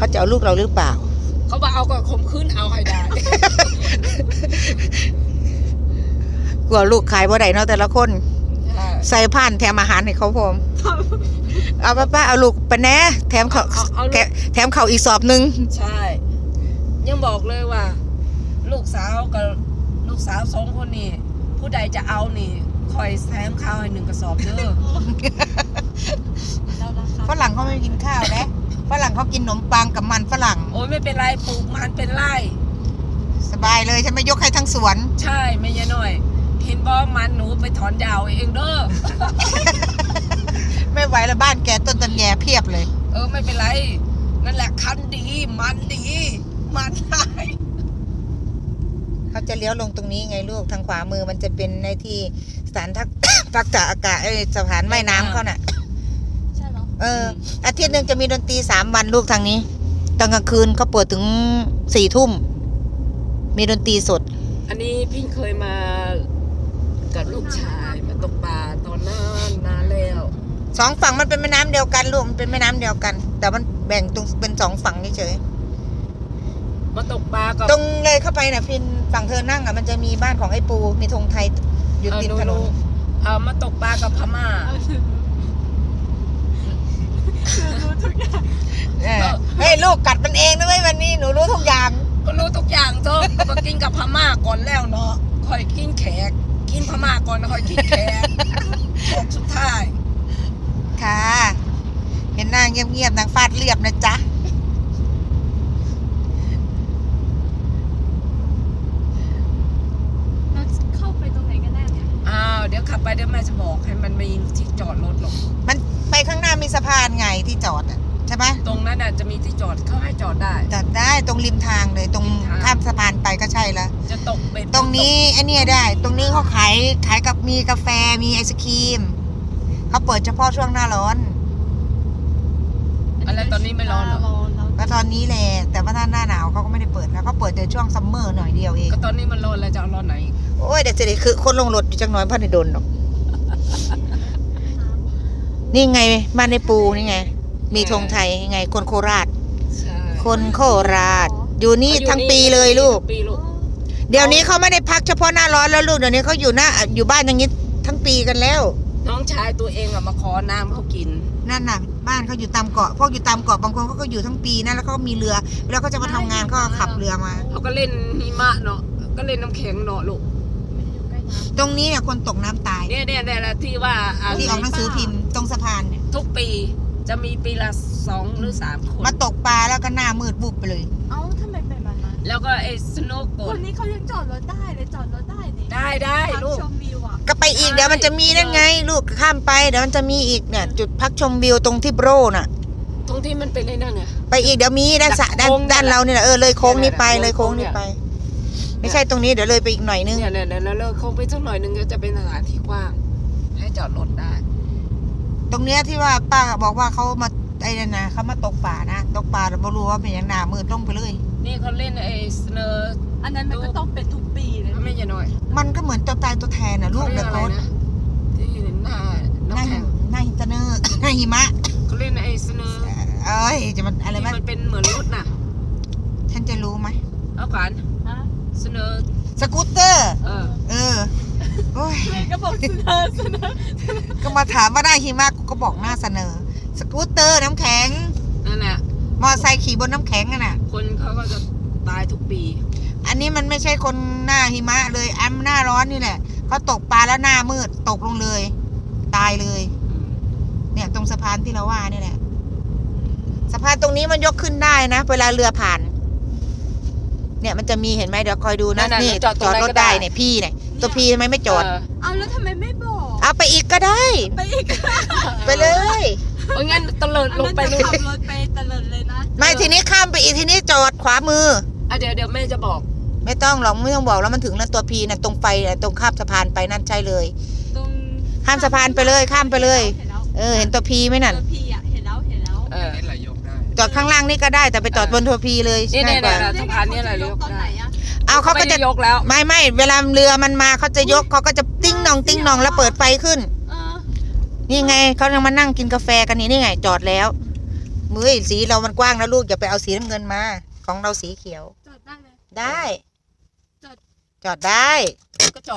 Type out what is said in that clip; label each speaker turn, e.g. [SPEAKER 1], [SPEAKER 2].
[SPEAKER 1] จะเอาลูกเราหรือเปล่า
[SPEAKER 2] เขาบอกเอาก็ข่มขืนเอาให้ได้
[SPEAKER 1] กลัวลูกขายบ่ได้เนาะแต่ละคนใส่ผ่านแถมอาหารให้เขาพร้อมเอาป้าเอาลูกไปแน่แถมเขาอีกสอบนึง
[SPEAKER 2] ใช่ยังบอกเลยว่าลูกสาวกับลูกสาว2 คนนี่ผู้ใดจะเอานี่คอยแถมข้าวให้1 กระสอบเด้อ
[SPEAKER 1] ฝรั่งเขาไม่กินข้าวนะฝรั่งเขากินขนมปังกับมันฝรั่ง
[SPEAKER 2] โอ้ยไม่เป็นไรปลูกมันเป็นไร่
[SPEAKER 1] สบายเลยฉันไม่ยกให้ทั้งสวน
[SPEAKER 2] ใช่ไม่ยะหน่อยเห็นบอกมันหนูไปถอนยาวเองเด้อ
[SPEAKER 1] ไม่ไหวแล้วบ้านแกต้นตำแยเพียบเลย
[SPEAKER 2] ไม่เป็นไรนั่นแหละคันดีมันได้
[SPEAKER 1] เขาจะเลี้ยวลงตรงนี้ไงลูกทางขวามือมันจะเป็นในที่สถานพักตากอากาศสถานว่ายน้ำเขาน่ะ
[SPEAKER 3] ใช่เหรอ
[SPEAKER 1] อาทิตย์หนึ่งจะมีดนตรี3 วันลูกทางนี้ตอนกลางคืนเขาเปิดถึง4 ทุ่มมีดนตรีสด
[SPEAKER 2] อันนี้พี่เคยมากับลูกชายมาตกปลาตอนนานแล้ว
[SPEAKER 1] 2 ฝั่งมันเป็นแม่น้ำเดียวกันลูกมันเป็นแม่น้ำเดียวกันแต่มันแบ่งตรงเป็น2 ฝั่งเฉย
[SPEAKER 2] มาตกปลากับ
[SPEAKER 1] ตรงเลยเข้าไปน่ะพินฝั่งเธอนั่งมันจะมีบ้านของไอ้ปูมีธงไทยอยู่ติดถนน
[SPEAKER 2] มาตกปลากับพม่า
[SPEAKER 3] รู้ทุกอย่าง
[SPEAKER 1] เฮ้ยลูกกัดมันเองนะเว้ยวันนี้หนูรู้ทุกอย่าง
[SPEAKER 2] ก็รู้ทุกอย่างเถอะก็กินกับพม่าก่อนแล้วเนาะค่อยกินแขกกินพม่าก่อนค่อยกินแขกสุดท้าย
[SPEAKER 1] ค่ะเห็นนางเงียบๆนางฟาดเรียบนะจ๊ะ
[SPEAKER 3] เข้าไปตรงไหนกันแน่เนี่ย
[SPEAKER 2] เดี๋ยวขับไปเดี๋ยวแม่จะบอกให้มันมีที่จอดรถหรอก
[SPEAKER 1] มันไปข้างหน้ามีสะพานไงที่จอดใช่ไหม
[SPEAKER 2] ตรงนั้นจะมีที่จอดเขาให้จอดได้
[SPEAKER 1] ตรงริมทางเลยตรงข้ามสะพานไปก็ใช่แล้ว
[SPEAKER 2] จะตกเป็น
[SPEAKER 1] ตรงนี้ไอ้นี่ได้ตรงนี้เขาขายกับมีกาแฟมีไอศครีมเขาเปิดเฉพาะช่วงหน้าร้อน
[SPEAKER 2] อะไรตอนนี้ไม่ร้อนหรอ
[SPEAKER 1] ก็ตอนนี้แหละแต่ว่าถ้าหน้าหนาวเขาก็ไม่ได้เปิดแล้วเขาเปิดแต่ช่วงซัมเมอร์หน่อยเดียวเอง
[SPEAKER 2] ก็ตอนนี้มันร้อนแล้วจะร้อนไหน
[SPEAKER 1] โอ้ยเดี๋ยวจะได้คือคนลงรถอยู่จังน้อยพันในโดนหรอกนี่ไงบ้านในปูนี่ไงมีธงไทยไงคนโคราชคนโคราชอยู่นี่ทั้งปีเลยลูกเดี๋ยวนี้เขาไม่ได้พักเฉพาะหน้าร้อนแล้วลูกเดี๋ยวนี้เขาอยู่บ้านอย่างนี้ทั้งปีกันแล้ว
[SPEAKER 2] น้องชายตัวเองมาขอน้ำเขากิน
[SPEAKER 1] นั่นน่ะบ้านเขาอยู่ตามเกาะพวกอยู่ตามเกาะบางคนเขาก็อยู่ทั้งปีนะแล้วเขามีเรือแล้วก็จะมาทำงานก็ขับเรือมา
[SPEAKER 2] เขาก็เล่นหิมะเนาะก็เล่นน้ำแข็งเนาะลูก
[SPEAKER 1] ตรงนี้เนี่ยคนตกน้ำตาย
[SPEAKER 2] เนี่ยที่ว่า
[SPEAKER 1] ที่ออกหนังสือพิมพ์ตรงสะพานเนี่ย
[SPEAKER 2] ทุกปีจะมีปีละ2 หรือ 3 คน
[SPEAKER 1] มาตกปลาแล้วก็หน้ามืดบุบไปเลย
[SPEAKER 3] ทำไมเป็นแบบนั้น
[SPEAKER 2] แล้วก็ไอ้สโนว์โก
[SPEAKER 3] คนนี้เขายังจอดรถได้เลยจอดรถได้
[SPEAKER 2] ได้ลูก
[SPEAKER 3] ชมวิว
[SPEAKER 1] ก็ไปอีกเดี๋ยวมันจะมีนั่นไงลูกข้ามไปเดี๋ยวมันจะมีอีกเนี่ยจุดพักชมวิวตรงที่โบรน่ะ
[SPEAKER 2] ตรงที่มันเป็นไอ้นั่นไง
[SPEAKER 1] ไปอีกเดี๋ยวมีด้านเราเนี่ยเลยโค้งนี้ไปเลยโค้งนี้ไปไม่ใช่ตรงนี้เดี๋ยวเลยไปอีกหน่อยนึง
[SPEAKER 2] เนี่ยเลยโค้งไปสักหน่อยนึงก็จะเป็นสถานที่กว้างให้จอดรถได้
[SPEAKER 1] ตรงเนี้ยที่ว่าป้าบอกว่าเขามาไอ้นั่นนะเขามาตกป่านะตกป่าเราไม่รู้ว่าเป็นอย่างหนามืดลงไปเลย
[SPEAKER 2] นี่เขาเล่นไอ้สเนอร์
[SPEAKER 3] อันนั้นมันก็ต้องเป็นทุกปีเลย
[SPEAKER 2] ไม่ใช่น้อย
[SPEAKER 1] มันก็เหมือนตัวตายตัวแทนนะลูกเด็กโคตร
[SPEAKER 2] ที่หน้า
[SPEAKER 1] หินเนอร์หน้าหิมะ
[SPEAKER 2] เขาเล่นไอ้สเนอร์
[SPEAKER 1] จะมันอะไร
[SPEAKER 2] มันเป็นเหมือนรถน่ะ
[SPEAKER 1] ฉันจะรู้ไหม
[SPEAKER 2] เอาก่อนสเนอร์
[SPEAKER 1] สกูตเตอร์โอ้ย
[SPEAKER 3] ก็บอกเสนอ
[SPEAKER 1] ก็มาถามว่าได้หิมะกูก็บอกหน้าเสนอสกูตเตอร์น้ำแข็ง
[SPEAKER 2] นั่นแหละ
[SPEAKER 1] มอไซค์ขี่บนน้ำแข็งน่ะ
[SPEAKER 2] คนเขาก็จะตายทุกปี
[SPEAKER 1] อันนี้มันไม่ใช่คนหน้าหิมะเลยหน้าร้อนนี่แหละเขาตกปลาแล้วหน้ามืดตกลงเลยตายเลยเนี่ยตรงสะพานที่เราว่านี่แหละสะพานตรงนี้มันยกขึ้นได้นะเวลาเรือผ่านเนี่ยมันจะมีเห็นไหมเดี๋ยวคอยดูนะนี่จอดรถได้เนี่ยพี่เนี่ยตัวพี่ทำไมไม่จอด
[SPEAKER 3] เอาแล้วทำไมไม่บอก
[SPEAKER 1] เอาไปอีกก็ได้ไปเลย
[SPEAKER 2] งั้นตะเลิดลงไปเลย
[SPEAKER 3] ขับรถไปตะเลิดเลยนะ
[SPEAKER 1] ไม่ทีนี้ข้ามไปอีกทีนี้จอดขวามือ
[SPEAKER 2] เดี๋ยวแม่จะบอก
[SPEAKER 1] ไม่ต้องหรอกไม่ต้องบอกแล้วมันถึงแล้วตัวพีนะตรงไฟตรงข้ามสะพานไปนั่นใช่เลยข้ามสะพานไปเลยข้ามไปเลยเห็นตัวพีไหมนั่น
[SPEAKER 3] ตัวพีเห็นแล้ว
[SPEAKER 1] จอดข้างล่างนี่ก็ได้แต่ไปจอดบนตัวพีเลย
[SPEAKER 2] ง่ายกว่าสะพานนี่อะไรยกได้
[SPEAKER 1] เอาเขาก็จะ
[SPEAKER 2] ยกแล้ว
[SPEAKER 1] ไม่เวลาเรือมันมาเขาจะยกเขาก็จะติ้งนองแล้วเปิดไฟขึ้นนี่ไงเขายังมานั่งกินกาแฟกันนี่ไงจอดแล้วมือสีเรามันกว้างนะลูกอย่าไปเอาสีน้ำเงินมา ของเราสีเขียว
[SPEAKER 3] จอดได้เลย
[SPEAKER 1] ได้
[SPEAKER 3] จอด
[SPEAKER 1] จอดได้
[SPEAKER 2] ก็